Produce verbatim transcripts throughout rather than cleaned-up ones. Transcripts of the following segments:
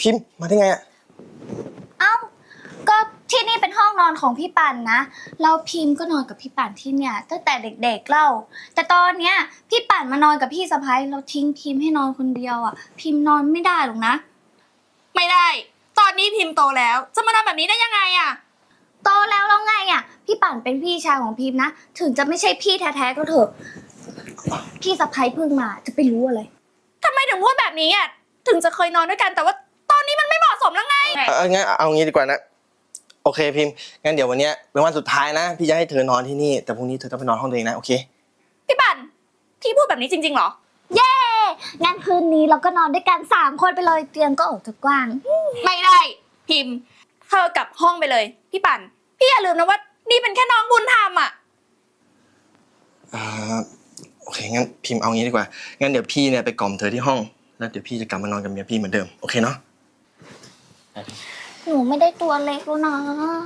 พิมพ์มาได้ไงอะเอ้าก็ที่นี่เป็นห้องนอนของพี่ปั่นนะเราพิมพ์ก็นอนกับพี่ปั่นที่เนี่ยตั้งแต่เด็กๆเล่าแต่ตอนเนี้ยพี่ปั่นมานอนกับพี่สะใภ้เราทิ้งพิมพ์ให้นอนคนเดียวอ่ะพิมพ์นอนไม่ได้หรอกนะไม่ได้ตอนนี้พิมพ์โตแล้วจะมาทำแบบนี้ได้ยังไงอะโตแล้วแล้วไงอ่ะพี่ปั่นเป็นพี่ชายของพิมพ์นะถึงจะไม่ใช่พี่แท้ๆก็เถอะพี่สะใภ้เพิ่งมาจะไปรู้อะไรทำไมถึงพูดแบบนี้อะถึงจะเคยนอนด้วยกันแต่ว่าตอนนี้มันไม่เหมาะสมแล้วไงเอองั้นเอางี้ดีกว่านะโอเคพิมพ์งั้นเดี๋ยววันนี้เป็นวันสุดท้ายนะพี่จะให้เธอนอนที่นี่แต่พรุ่งนี้เธอต้องไปนอนห้องตัวเองนะโอเคพี่ปั่นพี่พูดแบบนี้จริงๆเหรอเย้งั้นคืนนี้เราก็นอนด้วยกันสามคนไปเลยเตียงก็ออกจะกว้างไม่ได้พิมพ์เธอกลับห้องไปเลยพี่ปั่นพี่อย่าลืมนะว่านี่เป็นแค่น้องบุญธรรมอ่ะอ่าโอเคงั้นพิมพ์เอางี้ดีกว่างั้นเดี๋ยวพี่เนี่ยไปกล่อมเธอที่ห้องแล้วเดี๋ยวพี่จะกลับมานอนกับเมียพี่เหมือนเดิมโอเคเนาะหนูไม่ได้ตัวเล็กแล้วนะ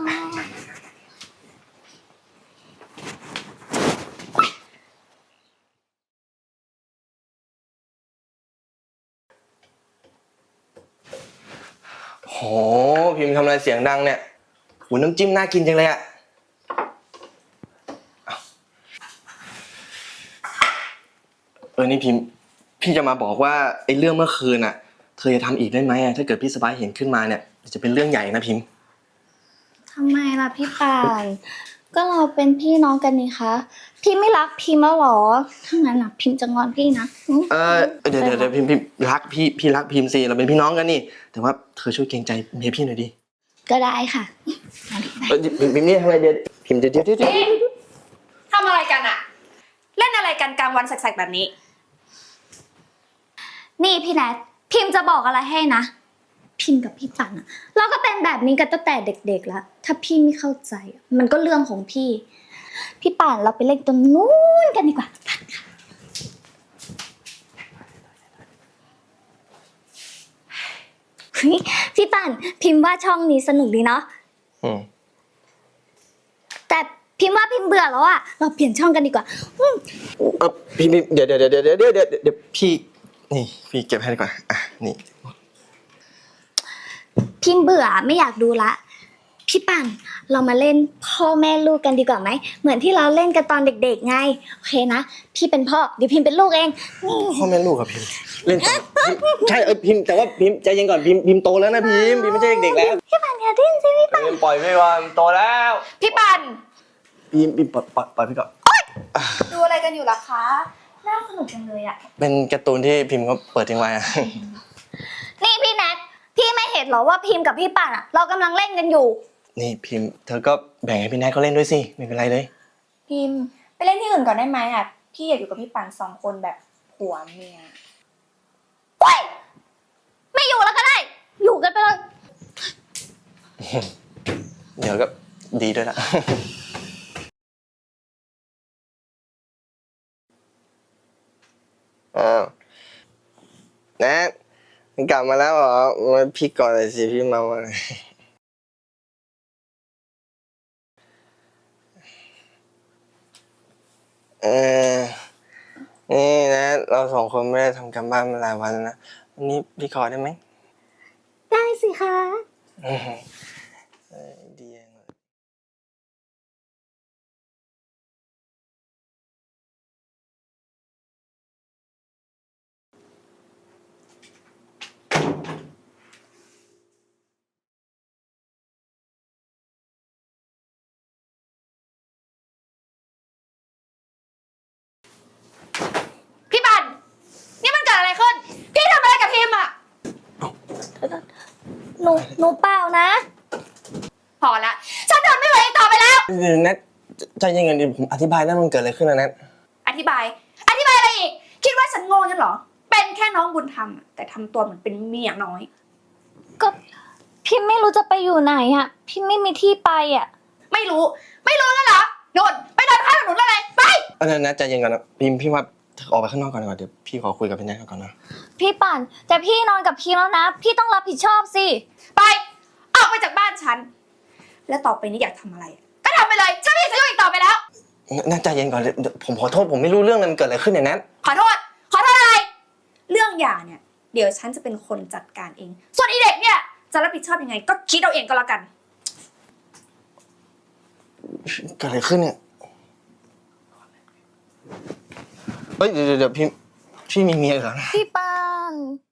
โหพิมพ์ทำอะไรเสียงดังเนี่ยหูน้ำจิ้มน่ากินจังเลยอะเออนี่พิมพ์พี่จะมาบอกว่าไอ้เรื่องเมื่อคืนอะเธอจะทำอีกได้ไหมอะถ้าเกิดพี่สบายเห็นขึ้นมาเนี่ยจะเป็นเรื่องใหญ่นะพิมพ์ทำไมล่ะพี่ป่านก็เราเป็นพี่น้องกันนี่คะพี่ไม่รักพิมพ์แล้วหรอถ้างั้นนะพิมพ์จะงอนพี่นะเออเดี๋ยวเดี๋ยวเดี๋ยวพิมพ์พิมพ์รักพี่พี่รักพิมพ์สิเราเป็นพี่น้องกันนี่แต่ว่าเธอช่วยเกรงใจเมียพี่หน่อยดิก็ได้ค่ะเออพิมพ์พิมพ์นี่ทำอะไรเดี๋ยวพิมพ์เดี๋ยวเดี๋ยวเดี๋ยวทำอะไรกันอะเล่นอะไรกันกลางวันแสกๆแบบนี้นี่พี่แนทพิมพ์จะบอกอะไรให้นะพิมพ์กับพี่ปั่นอะเราก็เป็นแบบนี้กันตั้งแต่เด็กๆแล้วถ้าพี่ไม่เข้าใจมันก็เรื่องของพี่พี่ปั่นเราไปเล่นตรงนู้นกันดีกว่าพี่ปั่นพิมพ์ว่าช่องนี้สนุกดีเนาะแต่พิมพ์ว่าพิมพ์เบื่อแล้วอะเราเปลี่ยนช่องกันดีกว่าเออพี่เดี๋ยวเดี๋ยวเดี๋ยวเดี๋ยวเดี๋ยวเดี๋ยวเดี๋ยวพี่นี่พี่เก็บให้ดีกว่าอ่ะนี่พิมพ์เบื่อไม่อยากดูละพี่ปั่นเรามาเล่นพ่อแม่ลูกกันดีกว่าไหมเหมือนที่เราเล่นกันตอนเด็กๆไงโอเคนะพี่เป็นพ่อเดี๋ยวพิมพ์เป็นลูกเองพ่อแม่ลูกครับพิมพ์เล่นใช่เออพิมพ์แต่ว่าพิมพ์ใจเย็นก่อนพิมพ์พิมพ์โตแล้วนะพิมพ์พิมพ์ไม่ใช่เด็กๆแล้วพี่ปั่นอย่าดิ้นสิพี่ปั่นปล่อยไปก่อนโตแล้วพี่ปั่นพิมพ์พิมพ์ปล่อยปล่อยปล่อยพี่ก่อนดูอะไรกันอยู่ล่ะคะน่าสนุกจังเลยอะเป็นการ์ตูนที่พิมพ์เขาเปิดทิ้งไว้อะนี่พี่แนทพี่ไม่เห็นหรอว่าพิมพ์กับพี่ปั่นอะเรากำลังเล่นกันอยู่นี่พิมพ์เธอก็แบ่งให้พี่แนทเขาเล่นด้วยสิไม่เป็นไรเลยพิมพ์ไปเล่นที่อื่นก่อนได้ไหมอะพี่อยากอยู่กับพี่ปั่นสองคนแบบผัวเมียเฮ้ยไม่อยู่แล้วก็ได้อยู่กันไปเลยเดี๋ยวก็ดีด้วยละอ้าวแนทกลับมาแล้วเหรอมาพี่ก่อนเลยสิพี่มาวันเออนี่นะเราสองคนไม่ได้ทำการบ้านมาหลายวันนะวันนี้พี่ขอได้ไหมได้สิคะดีพี่ปั่นนี่มันเกิดอะไรขึ้นพี่ทำอะไรกับพิมพ์อะหนูหนูเปล่านะพอละฉันทนไม่ไหวอีกต่อไปแล้วเดี๋ยวนัทใจเย็นๆดิผมอธิบายได้มันเกิดอะไรขึ้นนะนัทอธิบายอธิบายอะไรอีกคิดว่าฉันโง่งั้นเหรอเป็นแค่น้องบุญธรรมแต่ทำตัวเหมือนเป็นเมียน้อยก็พี่ไม่รู้จะไปอยู่ไหนอ่ะพี่ไม่มีที่ไปอ่ะไม่รู้ไม่รู้แล้วเหรอโยนไปเดินข้างถนนอะไรไปเออนัทใจเย็นก่อนนะพิมพี่ว่าออกไปข้างนอกก่อนดีกว่าเดี๋ยวพี่ขอคุยกับพี่แนทก่อนนะพี่ปั่นแต่พี่นอนกับพี่แล้วนะพี่ต้องรับผิดชอบสิไปออกไปจากบ้านฉันแล้วต่อไปนี้อยากทำอะไรก็ทำไปเลยฉันไม่อยากจะยุ่งอีกต่อไปแล้วนัทใจเย็นก่อนผมขอโทษผมไม่รู้เรื่องเลยมันเกิดอะไรขึ้นเนี่ยนัทขอโทษขอโทษอะไรเรื่องหย่าเนี่ยเดี๋ยวฉันจะเป็นคนจัดการเอง ส่วนอีเด็กเนี่ยจะรับผิดชอบยังไง ก็คิดเอาเองก็แล้วกันเกิดอะไรขึ้นเนี่ยเฮ้ยเดี๋ยวเดี๋ยวพี่พี่มีเมียเหรอนะพี่ปัน